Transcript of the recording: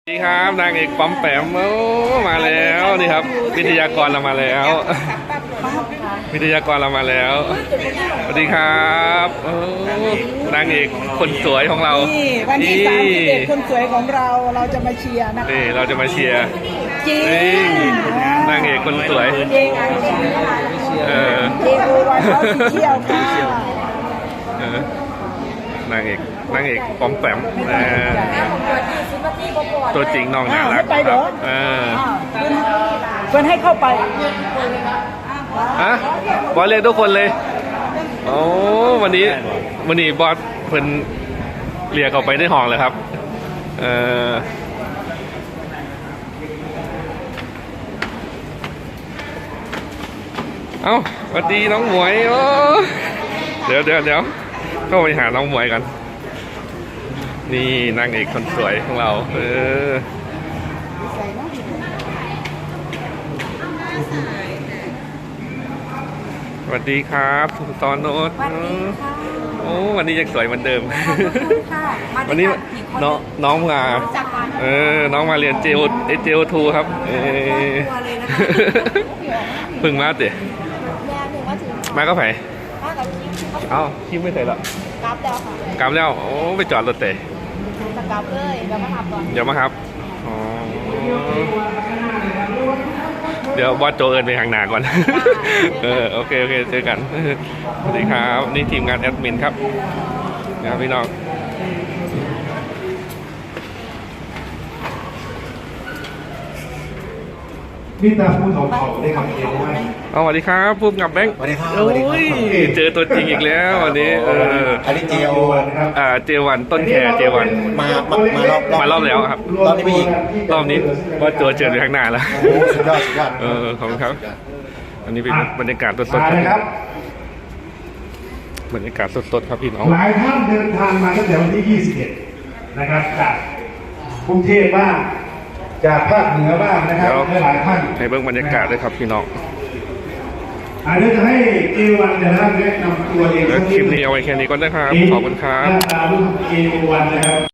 สวัสดีครับนางเอกปั๊มแปมโอ้มาแล้วนี่ครับวิทยากรเรามาแล้ววิทยากรเรามาแล้วสวัสดีครับโอ้นางเอกคนสวยของเรานี่วันที่31คนสวยของเราจะมาเชียร์นะคะนี่เราจะมาเชียร์จริงนางเอกคนสวยเจงอันเจงเจงโอวันเขาเที่ยวค่ะนางเอกปั๊มแปมตัวจริงน้องน่ารักครับเพื่อนให้เข้าไปบอสเรียกทุกคนเลยโอ้วันนี้บอสเพิ่นเรียกออกไปได้ห้องเลยครับเอ้าสวัสดีน้องหมวยโอ้เดี๋ยวเข้าไปหาน้องหมวยกันนี่นางเอกคนสวยของเราสวัสดีครับตอนโน้ตโอ้วันนี้ยังสวยเหมือนเดิมวันนี้น้องมาน้องมาเรียนJO2ครับเพิ่งมาเตะมาก็ไผ่เอ้าคิมไม่ใส่หรอกลับแล้วค่ะกลับแล้วโอ้ไปจอดรถเตะกลับเลยเดี๋ยวมาขับก่อนเดี๋ยวมาครับเดี๋ยวบอสโจเอิญไปทางหนาก่อนโอเคเจอกันสวัสดีครับนี่ทีมงานแอดมินครับนะครับพี่น้องพี่ตาพูดเขาได้คำเองว่าสวัสดีครับพูดกับแบงค์สวัสดีครับโอ้ยเจอตัวจริงอีกแล้ววันนี้อันนี้เจวันต้นแคร์เจวันมารอบแล้วครับรอบนี้ไม่ยิงรอบนี้ว่าเจอในข้างหน้าแล้วสุดยอดขอบคุณครับอันนี้เป็นบรรยากาศสดๆครับบรรยากาศสดๆครับพี่น้องหลายท่านเดินทางมาตั้งแต่วันที่21นะครับจากกรุงเทพบ้างจากภาคเหนือบ้างนะครับหลายท่านในเบื้องบรรยากาศด้วยครับพี่น้องเดี๋ยวจะให้เอวันนะครับแนะนำตัวเองคลิปนี้เอาไว้แค่นี้ก่อนนะครับขอบคุณครับเอวันนะครับ